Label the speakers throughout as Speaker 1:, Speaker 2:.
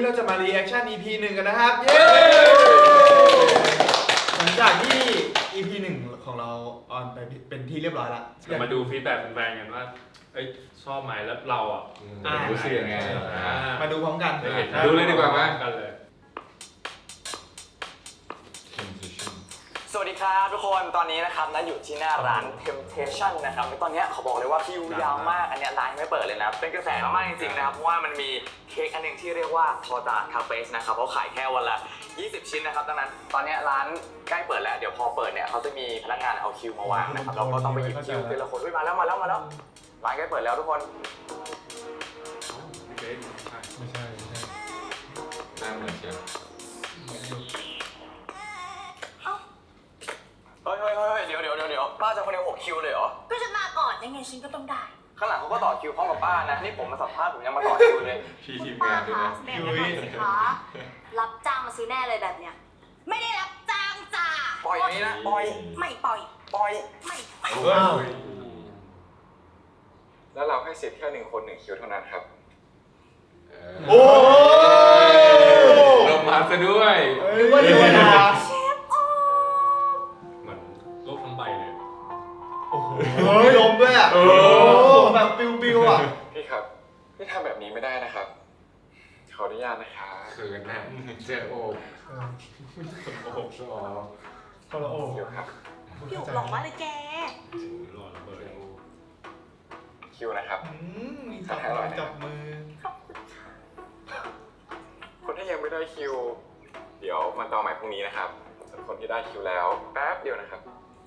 Speaker 1: เราจะมารีแอคชั่น EP 1 กันนะครับเย้หลังจากที่ EP 1 ของเราออนไปเป็นที่เรียบร้อยละ
Speaker 2: มาดูฟีดแบ็กแฟนๆกันว่าชอบไหมแล้วเรา
Speaker 3: รู้สึกยังไง
Speaker 1: มาดูพร้อมกัน
Speaker 3: ดูเลยดีกว่าไหม
Speaker 2: กันเลย
Speaker 4: สวัสดีครับทุกคนตอนนี้นะครับนะอยู่ที่หน้าร้าน Temptation นะครับตอนนี้เขาบอกเลยว่าคิวยาวมากอันนี้ร้านไม่เปิดเลยนะเป็นกระแสมากจริงๆนะครับเพราะว่ามันมีเค้กอันนึงที่เรียกว่าทอตาคาเฟ่นะครับเขาขายแค่วันละ20 ชิ้นนะครับดังนั้นตอนนี้ร้านใกล้เปิดแล้วเดี๋ยวพอเปิดเนี่ยเขาจะมีพนักงานเอาคิวมาวางนะครับเราก็ต้องไปหยิบคิวเป็นละคนมาแล้วร้านใกล้เปิดแล้วทุกคน
Speaker 3: ไม่ใช่หน้าเหมือนเชียว
Speaker 4: เฮ้ยเดี๋ยวป้าจะคนเดียว6 คิวเลยเหรอ
Speaker 5: ก็จะมาก่อนยังไงฉันก็ต้องได้
Speaker 4: ข้างหลังเขาก็ต่อคิวพร้อมกับป้านะนี่ผมมาสัมภาษณ์ผมยังมาต่อคิวเลย
Speaker 3: พี่ทีมงานด้วยนะ
Speaker 5: แบ่งกันหน่อยสิคะรับจ้างมาซื้อแน่เลยแบบเนี้ยไม่ได้รับจ้างจ้า
Speaker 4: ปล่อยนี้นะปล่อย
Speaker 5: ไม่ปล่อยไม่
Speaker 3: แล้วเราให้สิทธิ์แค่1 คน 1 คิวเท่านั้นครับ
Speaker 1: โอ้
Speaker 3: ลงมาซะด้วย
Speaker 1: นึกว่าเทวดา
Speaker 2: เหมือนโลกทั้งใบเลย
Speaker 1: โอ้โหลมด้วยอ่ะแบบปิวอ่ะ
Speaker 3: พี่ครับพี่ทำแบบนี้ไม่ได้นะครับขออนุญาตนะคะคือกันนะเจอโอบชอบ
Speaker 1: คนละโอบ
Speaker 3: เดี๋ยวครับ
Speaker 5: พี่อุบหลงมากเลยแก
Speaker 2: หล่อระเบิด
Speaker 3: คิวนะครับ
Speaker 1: จับมือ
Speaker 3: คนที่ยังไม่ได้คิวเดี๋ยวมาต่อใหม่พรุ่งนี้นะครับส่วนคนที่ได้คิวแล้วแป๊บเดียวนะครับ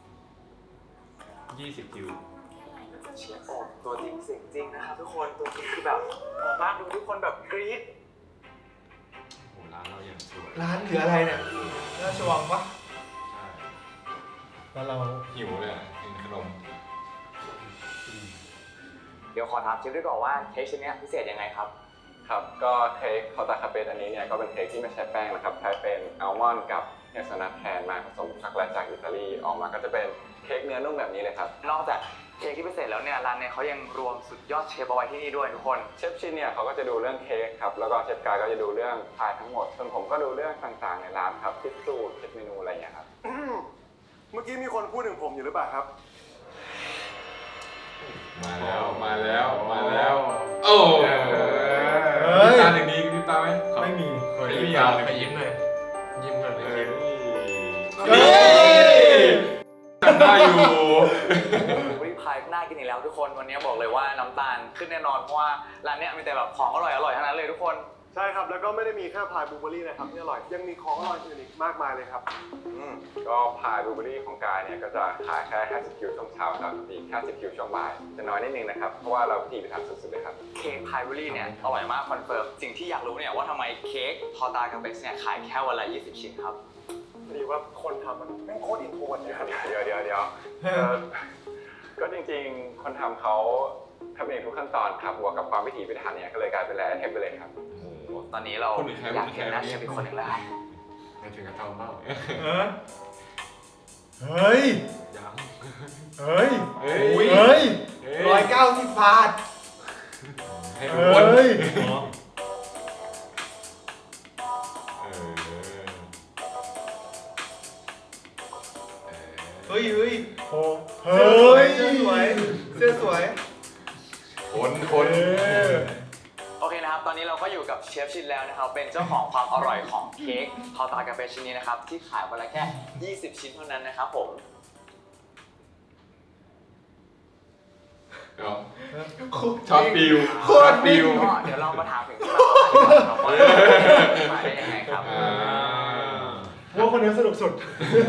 Speaker 2: 20 คิว
Speaker 4: เชียร์ออกตัวจริงเสียงจริงนะครับทุกคนตัวจริงคือแบบออกมาดูทุกคนแบบกรี๊ด
Speaker 2: โอ้ร้านเราอย่างสวย
Speaker 1: ร้านหรืออะไรเนี่ยราชวังปะ
Speaker 2: ใช่
Speaker 1: แล้วเรา
Speaker 3: หิวเลยกินขนม
Speaker 4: เดี๋ยวขอถามเชฟด้วยก่อนว่าเค้กชิ้นนี้พิเศษยังไงครับ
Speaker 3: ครับก็เค้กคอตาคาเฟ่อันนี้เนี่ยก็เป็นเค้กที่ไม่ใช้แป้งนะครับใช้เป็นอัลมอนด์กับเฮเซลนัทแทนมาผสมช็อกโกแลตจากอิตาลีออกมาก็จะเป็นเค้กเนื้อนุ่มแบบนี้เลยครับ
Speaker 4: นอกจากเค้กที่พิเศษแล้วเนี่ยร้านเนี่ยเขายังรวมสุดยอดเชฟเอาไว้ที่นี่ด้วยทุกคน
Speaker 3: เชฟชินเนี่ยเขาก็จะดูเรื่องเค้กครับแล้วก็เชฟกายก็จะดูเรื่องพายทั้งหมดส่วนผมก็ดูเรื่องต่างๆในร้านครับคิดสูตรคิดเมนูอะไรอย่างเงี้ยครับ
Speaker 6: เมื่อกี้มีคนพูดถึงผมอยู่หรือเปล่าครับ
Speaker 3: มาแล้วโอ้ตาหนึ่งนี้มีตาไหม
Speaker 1: ไม่มี
Speaker 2: ไม่มีไปยิ้มเลย
Speaker 3: ได้อยู่
Speaker 4: วิพายน่ากินอีกแล้วทุกคนวันนี้บอกเลยว่าน้ำตาลขึ้นแน่นอนเพราะว่าร้านนี้มีแต่แบบของอร่อยทั้งนั้นเลยทุกคน
Speaker 6: ใช่ครับแล้วก็ไม่ได้มีแค่พายบลูเบอร์รี่นะครับที่อร่อยยังมีของอร่อยอื่นอีกมากมายเลยครับ
Speaker 3: ก็พายบลูเบอร์รี่ของกายเนี่ยก็จะขายแค่50 คิวช่วงเช้าครับอีก50 คิวช่วงบ่ายจะน้อยนิดนึงนะครับเพราะว่าเราพิถีพิถันสุดๆเลยครับ
Speaker 4: เค้กพายบลูเบอร์รี่เนี่ยอร่อยมากคอนเฟิร์มสิ่งที่อยากรู้เนี่ยว่าทำไมเค้กทอตาคาเฟ่เนี่ยขายแค่วันละ20 ชิ้นครับ
Speaker 6: พอดีว่าคนทำมันไม่โคตรอินโทรเลยครับ
Speaker 3: เดี๋ยวก็จริงๆคนทำเขาทำเองทุกขั้นตอนครับบวกกับความพิถีพิถันเนี่ยก็เลยกลายเป็นแร่เทปไปเลยครับ
Speaker 4: ตอนนี้เราอยากเห็นหน้าเชฟเป็นคนหนึ่งแล้ว
Speaker 3: ไม่ถึงกับทำเปล่า
Speaker 1: เฮ้ย190 บาท
Speaker 3: ให้ทุกคนเฮ้ย
Speaker 1: เสื้อสวย
Speaker 3: คน
Speaker 4: โอเคนะครับตอนนี้เราก็อยู่กับเชฟชินแล้วนะครับเป็นเจ้าของความอร่อยของเค้กทอตาคาเฟ่ชิ้นนี้นะครับที่ขายวันละแค่20 ชิ้นเท่านั้นนะครับผม
Speaker 3: ช็อตฟิว
Speaker 4: เดี๋ยวเรามาถามถึงที่มาว่ามาได้ยังไงครับ
Speaker 1: ว่าคนนี้สนุกสุด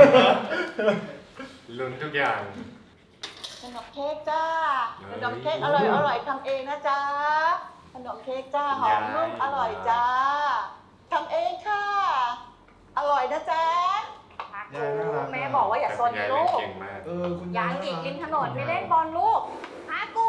Speaker 2: ลุ้นทุกอย่าง
Speaker 5: ขนมเค้กจ้าขนมเค้กอร่อยทำเองนะจ๊ะขนมเค้กจ้าหอมนุ่มอร่อยจ้าทำเองค่ะอร่อยนะจ๊ะแม่บอกว่าอย่าซนลูกยางอีกริมถนนไม่เล่นบอลลูกหากู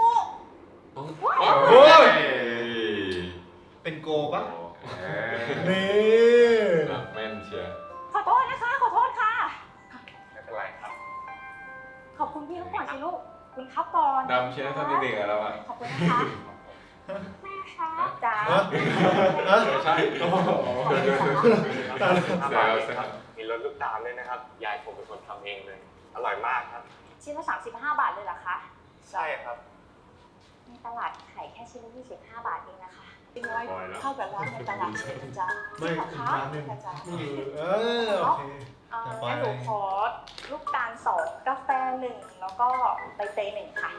Speaker 1: เป็นโกปะ
Speaker 3: นี่แม่นเชียร์
Speaker 5: ขอโทษนะคะขอโทษค่ะ
Speaker 3: ไม่เป็นไรครับ
Speaker 5: ขอบคุณพี่ทุกคนสิลูกคุณครับก่อน
Speaker 3: ดำเชียร์ท่านเด็กๆแล้วอ่ะ
Speaker 5: ขอบคุณนะคะแม่
Speaker 7: นะคะจ้า
Speaker 2: ใช่แซวแซว
Speaker 4: มีรสลูกตาลด้วยนะครับ ยายผมเป็นคนทำเองเลย อร่อยมากครับ
Speaker 7: ชิ้นละ35 บาทเลยเหรอคะ
Speaker 4: ใช่ครับ
Speaker 7: ในตลาดขายแค่ชิ้นละ25 บาทเองนะคะ
Speaker 5: เป็นร้อยเข้ากับร้านในตลาดเลยนะจ๊ะ
Speaker 1: ไม่
Speaker 5: ขอ
Speaker 1: อีก
Speaker 5: ค้า
Speaker 1: ร้านหนึ่ง
Speaker 5: นะจ๊ะ
Speaker 1: โอเค
Speaker 7: งั้นหนูขอลูกตาล2 กาแฟ1 แล้วก็ใบเตย1 ค่ะ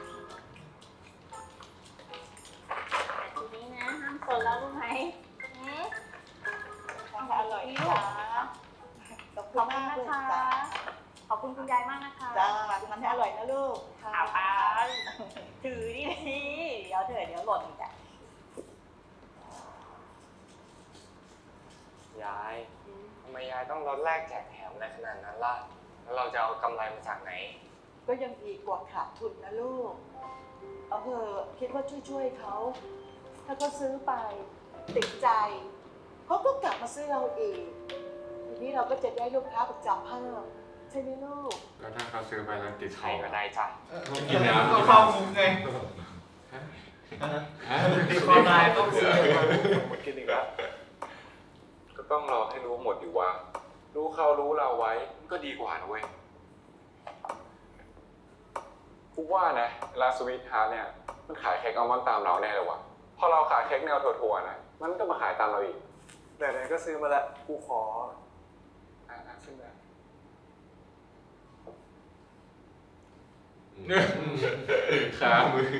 Speaker 7: ทีนี้นะห้ามคนแล้วรู้ไหม
Speaker 5: อร่อยจ้าขอบ
Speaker 7: ข
Speaker 5: คุ
Speaker 7: อบ
Speaker 5: ณ
Speaker 7: คุณ
Speaker 5: มาก
Speaker 7: นะ
Speaker 5: ลูก
Speaker 7: คะ
Speaker 5: จ้า
Speaker 7: ขอบคุณคุณยายมากนะคะ
Speaker 5: จ้ามันให้อร่อยนะลูก
Speaker 7: เอาไปถือดีๆเดี๋ยวหล่นอีกอ่ะ
Speaker 4: ยายทำไมยายต้องลดแลกแจกแถมอะไรขนาดนั้นล่ะ แล้วเราจะเอากำไรมาจากไหน
Speaker 5: ก็ยังดีกว่าขาดทุนนะลูก เอาเถอะคิดว่าช่วยเขา ถ้าเขาซื้อไปติดใจ เขาก็กลับมาซื้อเราอีก ทีนี้เราก็จะได้ลูกค้าประจำเพิ่มใช่ไหมลูก
Speaker 2: แล้วถ้าเขาซื้อไปแล้วติด
Speaker 4: ใคร
Speaker 2: เขา
Speaker 4: ก็ได้จ้ะ
Speaker 2: กินน้ำ
Speaker 1: ก็เข้ามุมไงติดคอตายต้องซื้อ
Speaker 6: หมดกินอีกแล้ว
Speaker 3: ก็ต้องรอให้รู้หมดอยู่ว่า รู้เขารู้เราไว้มันก็ดีกว่านะเว้ยกูว่านะร้านสวีทฮาร์ทเนี่ยมันขายเค้กอัลมอนด์ตามเราแน่เลยว่ะพอเราขายเค้กแนวถั่วๆนะมันก็มาขายตามเราอีก
Speaker 6: แต่ไหนก็ซื้อมาแล้ว กูขอ
Speaker 3: ขึ้นมา
Speaker 2: ขามือ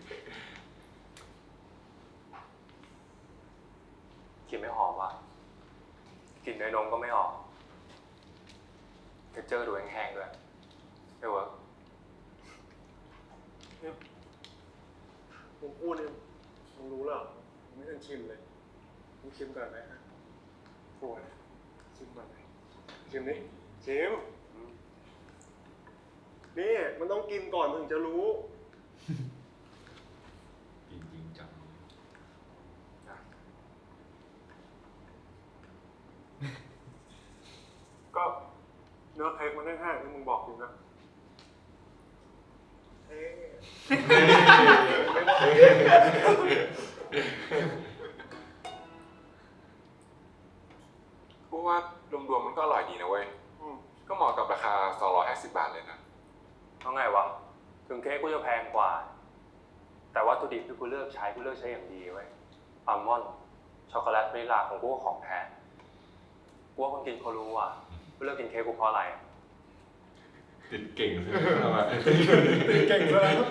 Speaker 4: กลิ่นไม่หอมว่ะกลิ่นเนยนมก็ไม่ออกเท็กเจอร์ดูแห้งๆด้วยไม่เวิร์ก
Speaker 6: มึงพูดเนี่ยมึงรู้เหรอมึงไม่ทันชิมเลยมึงชิมก่อนไหมฮะปวดชิมก่อนไหมชิมนี่ชิมนี่มันต้องกินก่อนถึงจะรู้
Speaker 2: กินจริงจัง
Speaker 6: ก็เนื้อเค้กมันแห้งๆที่มึงบอกจริงนะเฮ้ไม่บอก
Speaker 3: กูว่ารวมๆมันก็อร่อยดีนะเว้ย ก็เหมาะกับราคา 250 บาทเลยนะ
Speaker 4: เอาไงวะ ถึงเค้กกูจะแพงกว่า แต่วัตถุดิบที่กูเลือกใช้อย่างดีเว้ยอัลมอนด์ช็อกโกแลตวานิลลาของกูก็ของแพงกูว่าคนกินเขารู้ว่ากูเลือกกินเค้กกูเพราะอะไร
Speaker 2: ติดเก่งใช่ไหม
Speaker 6: เก่งซะแล้ว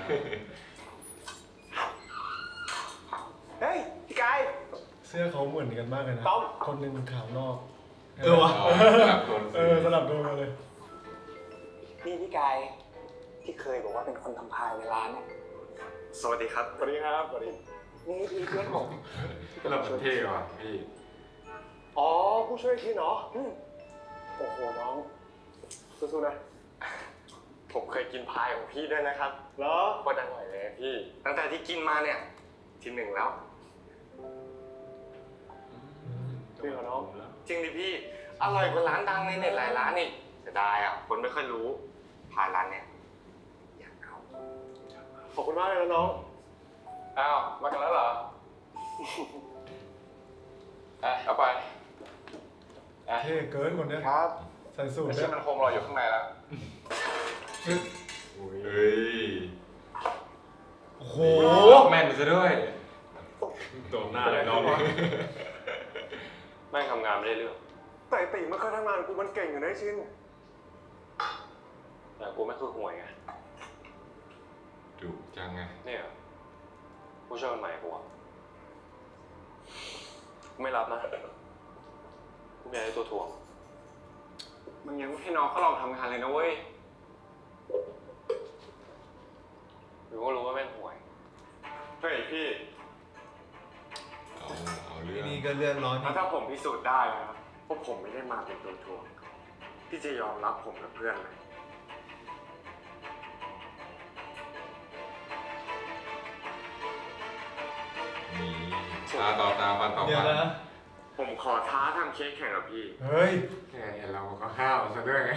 Speaker 6: เฮ้ยพี่กาย
Speaker 1: เสื้อเขาเหมือนกันมากเลยนะ
Speaker 6: ต้อม
Speaker 1: คนหนึ่งขาวนอก
Speaker 2: วะ
Speaker 1: สลับโดนมาเลย
Speaker 4: นี่พี่กายที่เคยบอกว่าเป็นคนทำพายในร้านเนี่ยสวัสดีครับ
Speaker 6: สวัสดีครับสวัสดี
Speaker 4: นี่เพื่อนผม
Speaker 2: ก็เราเป็นเท่ว่ะพี่
Speaker 6: อ๋อ ผู้ช่วยทีเนาะโอ้โห น้องสู้ๆนะ
Speaker 4: ผมเคยกินพายของพี่ด้วยนะครับ
Speaker 6: เหรอ
Speaker 4: โคตรอร่อยเลยพี่ ตั้งแต่ที่กินมาเนี่ยทีหนึ่งแล้ว
Speaker 6: จริงเหรอน้อง
Speaker 4: จริงดิพี่ อร่อยกว่าร้านดังในเน็ตหลายร้านอีกเสียดายอ่ะ คนไม่ค่อยรู้พายร้านเนี่ยอยากเอา
Speaker 6: ขอบคุณมากเลยนะน้อง
Speaker 3: อ้าว มากันแล้วเหรอ เอาไป
Speaker 1: เท่เกินคนเนี้ย
Speaker 6: ครับ
Speaker 1: ใส่สูท
Speaker 3: ไม่
Speaker 1: ด้
Speaker 3: ใช่
Speaker 1: วย
Speaker 3: มันโคมรออยู่ข้างในแล้ว
Speaker 2: เฮ้ย
Speaker 1: โอ้โห
Speaker 2: แม่นซะด้วยโดนหน้าเลยน้อง
Speaker 4: แม่งทำงานไม่ได้เรื่อง
Speaker 6: แต่ติมันเคยทำงานกูมันเก่งอยู่นะไอ้ชิน
Speaker 4: แต่กูไม่คือห่วยไง
Speaker 2: ดุจังไง
Speaker 4: เนี่ยผู้ช่วยคนใหม่กูอะกูไม่รับนะกูไม่อยากได้ตัวถ่วง
Speaker 3: มึงยังไม่ให้น้องเขาลองทำงานเลยนะเว้ย
Speaker 4: หรือว่ารู้ว่าแม่งห่วย
Speaker 3: เฮ้ยพี่
Speaker 2: เอาเรื่อง
Speaker 1: นี่ก็เรื่องร้อน
Speaker 3: แล้วถ้าผมพิสูจน์ได้นะครับว่าผมไม่ได้มาเป็นตัวถ่วงพี่จะยอมรับผมกับเพื่อนไหม
Speaker 2: นี่ตาต่อตาฟันต่อ
Speaker 1: เดี๋ย
Speaker 2: ฟั
Speaker 1: วน นะ
Speaker 3: ผมขอท้าทำเค้กแข่งกับพี่
Speaker 1: เฮ้ย
Speaker 2: แค่เห็นเราก็ห้าวซะด้วยไง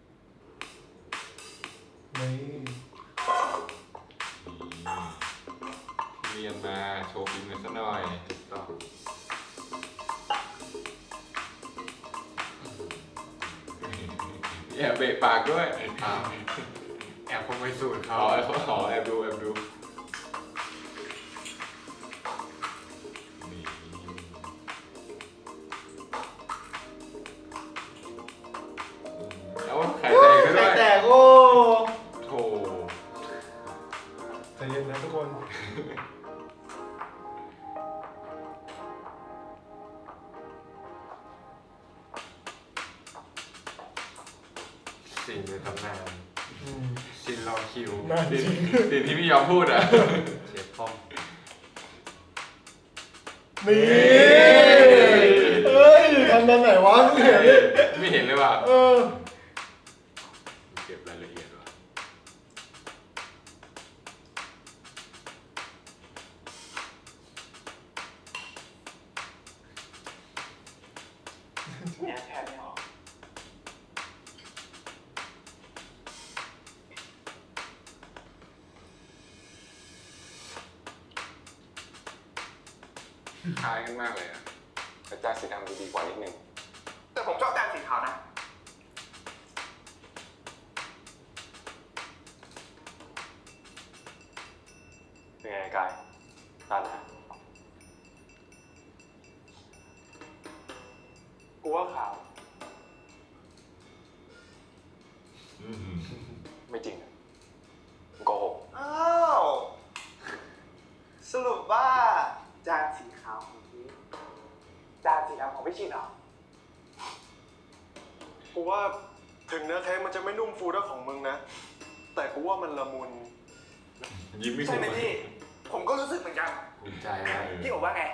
Speaker 1: นี่
Speaker 3: นียนๆมาโชว์ฝีมือซะหน่อยต่อแอบเบะปากด้วย
Speaker 2: แอบคงไปสูตรเขา
Speaker 3: แอบดูนี่เอาไข่แตกก็
Speaker 1: ไข่
Speaker 3: ได้
Speaker 1: แตกโอ้
Speaker 3: โถ
Speaker 6: ใจเย็นนะทุกคน
Speaker 2: สิ่งในตำนานชินรอคิว
Speaker 6: น่าจริง
Speaker 3: สิ่งที่พี่ยอมพูดอ่ะ
Speaker 2: เชฟป้อม
Speaker 6: นี่เอ้ยทำตอนไหนวะไม่เห็นเลย
Speaker 3: ไม่เห็นเลยว่ะ
Speaker 6: เออ
Speaker 3: เก็บรายละเอียดว่ะ
Speaker 4: เนี่ยแพ้ไม่ออก
Speaker 3: คล้ายกันมากเลยอ่ะแต่จานสีดำดูดีกว่านิดนึง
Speaker 4: แต่ผมชอบจานสีขาวนะเป็นไงกายตันนะกูว่าขาว ไม่จริงอะโกหก
Speaker 1: อ้าวสรุปว่า
Speaker 4: จานสีขาวของพี่จานสีดำของพี่ชินเหรอ
Speaker 6: กูว่าถึงเนื้อเค้กมันจะไม่นุ่มฟูเท่าของมึงนะ แต่กูว่ามันละมุน
Speaker 3: ยิ้มไม่
Speaker 4: ใช่
Speaker 3: ถูก
Speaker 4: ไหมพี่ ผมก็รู้สึกเหมือนกัน
Speaker 2: ภูมิใจนะ
Speaker 4: พี่บอกว่าไง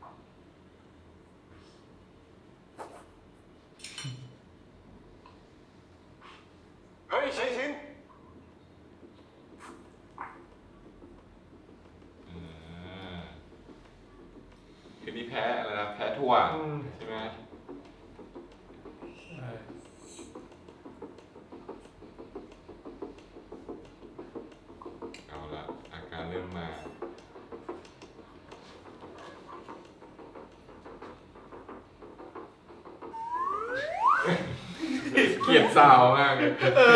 Speaker 6: เฮ้ยชิ้น
Speaker 3: คือนี่แพ้อะไรนะแพ้ถั่วใช่ไหมเอาละอาการเริ่มมา เกลียดสาวมากเลย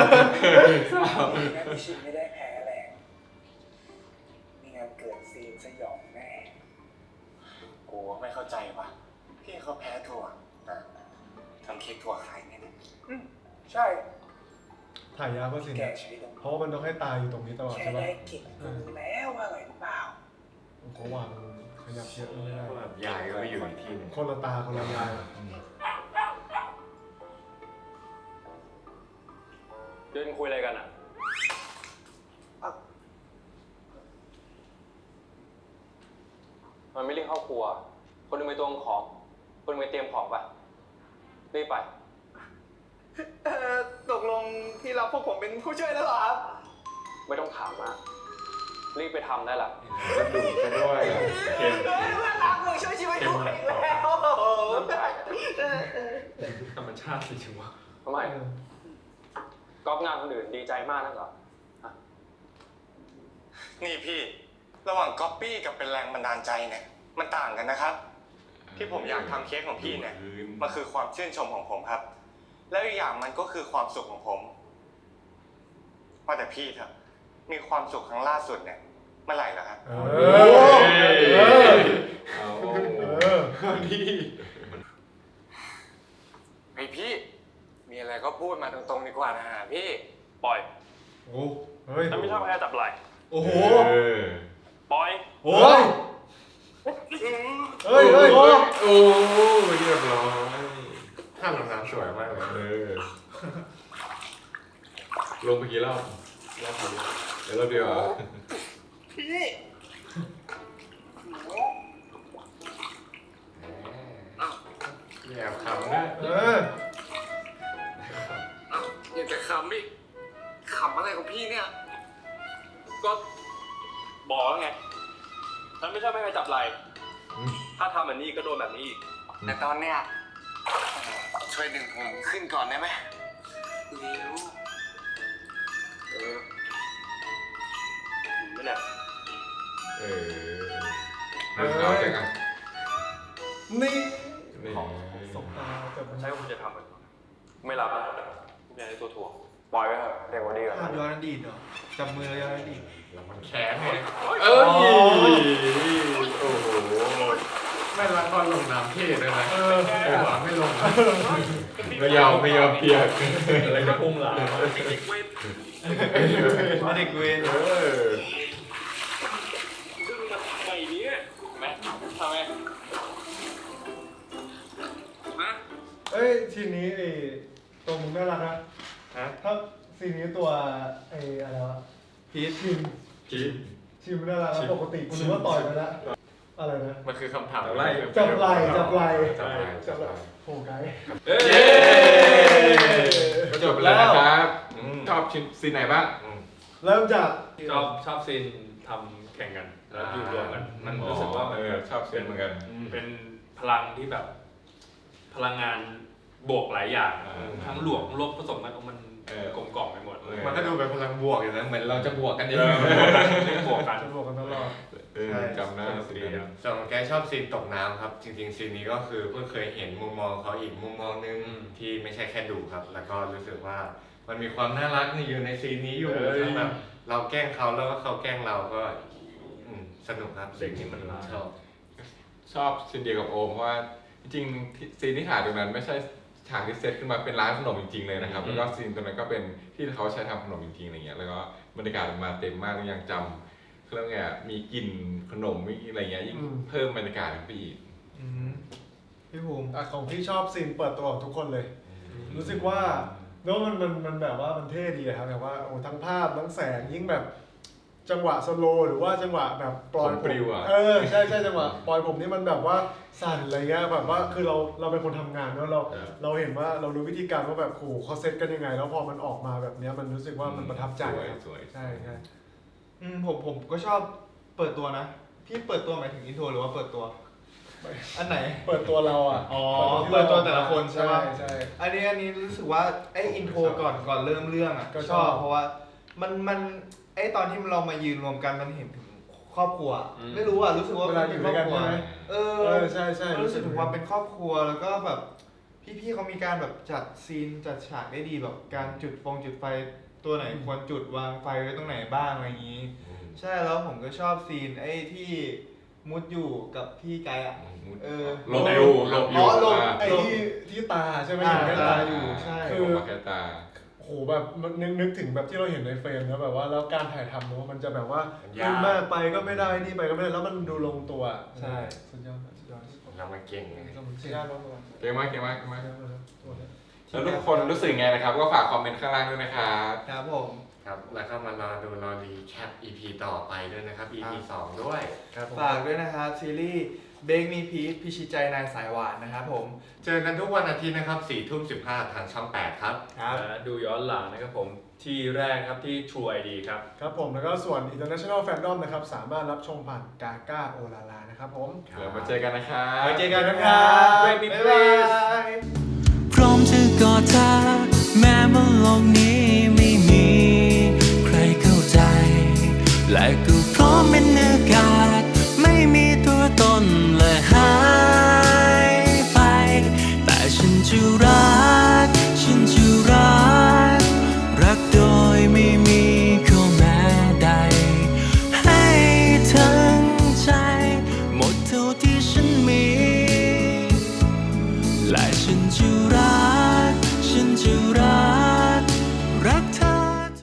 Speaker 4: พี่ชินไม่ได้แพ้แรงมีงานเกิดซีนสยองแน่
Speaker 8: กูไม่เข้าใจว่ะพี่เขาแพ้ถั่วแต่ทำเค้กถั่วขายเนี่ยนะ
Speaker 4: ใช่
Speaker 6: ถ่ายยาวก็สิ
Speaker 8: แก
Speaker 6: นะ
Speaker 8: ชีวิตของ
Speaker 6: เพราะว่ามันต้องให้ตายอยู่ตรงนี้ตลอด
Speaker 8: แค่
Speaker 6: ใช่ปะ
Speaker 8: ได้กลิ่นรู้แล้วว่าอร่อยหรือเปล่า
Speaker 6: เขาวางขยับเยอะไม่ได้
Speaker 2: แบบยายก็ไปอยู่อีกที่หนึง
Speaker 6: คนละตาคนละยาย
Speaker 4: เดินคุยอะไรกันอ่ะ มันไม่เรียกเข้าครัว คนหนึงไปตวงของ คนหนึงไปเตรียมของป่ะ รีบไป
Speaker 1: ตกลงที่รับพวกผมเป็นผู้ช่วยแล้วเหรอครับ
Speaker 4: ไม่ต้องถามมาก รีบไปทำได้ละ
Speaker 3: จะดุซะด้วยอะเค็ม
Speaker 1: รักมึงช่วยชีวิตกูอีกแล้ว
Speaker 4: น้ำใจ
Speaker 2: ธรรมชาติสิถึงวะ
Speaker 4: ทำไมก๊อปงานคนอื่นดีใจมากนักเหรอ
Speaker 8: นี่พี่ระหว่างก๊อปปี้กับเป็นแรงบันดาลใจเนี่ยมันต่างกันนะครับ ที่ผมอยากทำเค้กของพี่เนี่ยมันคือความชื่นชมของผมครับ แล้วอีกอย่างมันก็คือความสุขของผมว่าแต่พี่เถอะมีความสุขครั้งล่าสุดเนี่ยเมื่อไหร่ล่ะครับ
Speaker 6: เอ
Speaker 3: เอ
Speaker 6: อ
Speaker 3: เอา
Speaker 6: ดี
Speaker 8: ไอพี่ มีอะไรก็พูดมาตรงๆดีกว่านะพี่
Speaker 4: ปล่อย
Speaker 6: โอ้เฮ้ย
Speaker 4: ฉันไม่ชอบแพ้จับไหล่
Speaker 6: โอ้โห
Speaker 4: ปล่อย
Speaker 6: โอ้ยเฮ้ยเฮ้ย
Speaker 3: โอ้เรียบร้อย
Speaker 2: ท่าลงน้ำสวยมากเลย
Speaker 3: ลงไปกี่รอบรอบเดียวเดี๋ยวรอบเดียวเหรอ
Speaker 2: แอบขำด้วย
Speaker 6: เออ
Speaker 8: อยากจะขำอีกขำอะไรของพี่เนี่ย
Speaker 4: ก็บอกแล้วไง ฉันไม่ชอบให้ใครจับไหล่ ถ้าทำแบบนี้ก็โดนแบบนี้อีก
Speaker 8: แต่ตอนเนี้ยช่วยดึงผมขึ้นก่อนได้ไหมเร็ว
Speaker 4: ไม่เนี่ย
Speaker 3: เออ
Speaker 2: เอาเจอกัน
Speaker 1: นี่
Speaker 2: นี่
Speaker 1: สบตาแต่มัน
Speaker 6: ใช่ผมจะทำมัน
Speaker 4: ไม่รับนะผมอยากได้ตัวถ่วงปล่อยไว้เถอะเด็กกว่าดีกว่า
Speaker 1: ภาพย้อนอดีตเหรอจับมือย้อนอดีต
Speaker 2: แล้วมันแข็งไงเอ้ยโอ้โหไม่รักตอนลงน้ำเท่เลยนะหวังไม่ลงไม่ยอมเปียก
Speaker 6: อะไรจะพุ่งหลัง
Speaker 1: ไม่ได้กุย เอ้ยทีนี้ไอ้ตัวมึงน่ารักนะถ้าซีนนี้ตัวไอ้อะไรวะพีชชิมน่ารักนะปกติกูนึกว่าต่อยไปแล้วอะไรนะ
Speaker 2: มันคือคำถาม
Speaker 1: จับไหล่โอ้ไกด์
Speaker 2: เย้จบแล้วนะครับชอบซีนไหนบ้าง
Speaker 1: เริ่มจาก
Speaker 6: ชอบซีนทำแข่งกันแล้วอยู่รวมกันมันรู้สึกว่ามัน
Speaker 2: ชอบซีนเหมือนกัน
Speaker 6: เป็นพลังที่แบบ พลังงานบวกหลายอย่างทั้งหลวงลบผสมกันมันกลมกล่อมไปหมด
Speaker 2: มันก็ดูเป็นพลังบวกอยู่นะเหมือนเราจะบวกกันเอง
Speaker 6: บวกกัน
Speaker 1: จะบอกกันตลอด
Speaker 2: จำหน้าซีนนั้น
Speaker 9: ส่วนของแกชอบซีนตกน้ำครับ จริงๆซีนนี้ก็คือเพิ่งเคยเห็นมุมมองเขาอีกมุมมองนึงที่ไม่ใช่แค่ดูครับ แล้วก็รู้สึกว่ามันมีความน่ารักอยู่ในซีนนี้อยู่ทั้งแบบเราแกล้งเขาแล้วก็เขาแกล้งเราก็สนุกครับ
Speaker 6: เด็กนี่มันรัก
Speaker 2: ชอบซีนเดียวกับโอมเพราะว่าจริงๆซีนที่ถ่ายตรงนั้นไม่ใช่ฉากที่เซตขึ้นมาเป็นร้านขนมจริงๆเลยนะครับแล้วก็ซีนตรงนั้นก็เป็นที่เขาใช้ทำขนมจริงๆอะไรเงี้ยแล้วก็บรรยากาศมันมาเต็มมากยังจำเครื่องไงมีกลิ่นขนมมีอะไรเงี้ยยิ่งเพิ่มบรรยากาศขึ้นไปอีก
Speaker 1: พี่ภูมิของพี่ชอบซีนเปิดตัวของทุกคนเลย รู้สึกว่าแล้วมันแบบว่ามันเท่ดีครับแบบว่าโอ้ทั้งภาพทั้งแสงยิ่งแบบจังหวะสโลว์หรือว่าจังหวะแบบปล่อยผมใช่จังหวะปล่อยผมนี่มันแบบว่าสั่นอะไรเงี้ยแบบว่าคือเราเป็นคนทำงานแล้วเราเห็นว่าเรารู้วิธีการว่าแบบโหเขาเซตกันยังไงแล้วพอมันออกมาแบบเนี้ยมันรู้สึกว่ามันประทับใจครับ
Speaker 2: สวย
Speaker 1: ใช่
Speaker 10: ผมก็ชอบเปิดตัวนะ พี่เปิดตัวหมายถึงอินโทรหรือว่าเปิดตัว อันไหน
Speaker 1: เปิดตัวเราอ่ะ
Speaker 10: อ๋อ เปิดตัวแต่ละคนใช่ไหม
Speaker 1: ใช่
Speaker 10: อันนี้รู้สึกว่าไออินโทรก่อนเริ่มเรื่องอ่ะ
Speaker 1: ก็
Speaker 10: ก็
Speaker 1: ช
Speaker 10: ช
Speaker 1: อ
Speaker 10: อบ บเพราะว่ามันไอตอนที่เรามายืนรวมกันมันเห็นถึงครอบครัว ไม่รู้อ่ะรู้สึกว่า
Speaker 1: เวลาอยู่ด้วยกันใช่ไหม
Speaker 10: เอ
Speaker 1: ใช่
Speaker 10: รู้สึกถึงความเป็นครอบครัวแล้วก็แบบพี่ๆเขามีการแบบจัดซีนจัดฉากได้ดีแบบการจุดไฟตัวไหนควรจุดวางไฟไว้ตรงไหนบ้างอะไรอย่างนี้ ใช่แล้วผมก็ชอบซีนไอ้ที่มุดอยู่กับพี่ไกด์อ่ะ
Speaker 2: หลบอยู่
Speaker 10: หลบ
Speaker 1: ไอ้ที่ตาใช่ไหมอยู่ใกล้ตาอยู่
Speaker 10: ใช่
Speaker 1: คือ
Speaker 2: แค่ตา
Speaker 1: โหแบบมันนึกถึงแบบที่เราเห็นในเฟรมนะแบบว่าแล้วการถ่ายทำเนอะมันจะแบบว่าขึ้นมากไปก็ไม่ได้นี่ไปก็ไม่ได้แล้วมันดูลงตัว
Speaker 10: ใช่
Speaker 1: สุดยอด
Speaker 9: เรามาเก่งไง
Speaker 1: สุดยอดมาก
Speaker 2: เก่งมากแล้วทุกคนรู้สึกไงนะครับก็ฝากคอมเมนต์ข้างล่างด้วยนะครับ
Speaker 10: ครับผม
Speaker 9: ครับแล้วก็มารอดูรอรีแคป EP ต่อไปด้วยนะครับ EP 2 ด้วย
Speaker 10: ฝากด้วยนะครับซีรีส์เบคมีพีชพิชิตใจนายสายหวานนะครับผม
Speaker 9: เจอกันทุกวันอาทิตย์นะครับ 4:15 ทางช่อง 8 ครับ
Speaker 6: และดูย้อนหลังนะครับผมที่แรกครับที่ True ID ครับ
Speaker 1: ครับผมแล้วก็ส่วน International Fandom นะครับสามารถรับชมผ่านกาก้าโอลาลานะครับผม
Speaker 2: เดี๋ยวมาเจอกันนะครับ
Speaker 10: ไว้เจอกันนะครับ
Speaker 6: Baby
Speaker 10: บ๊าย
Speaker 6: please
Speaker 10: บาย
Speaker 11: พร้อมจะกอดเธอแม้บนโลกนี้ไม่มีใครเข้าใจและก็พร้อมเป็นอากาศไม่มีตัวตน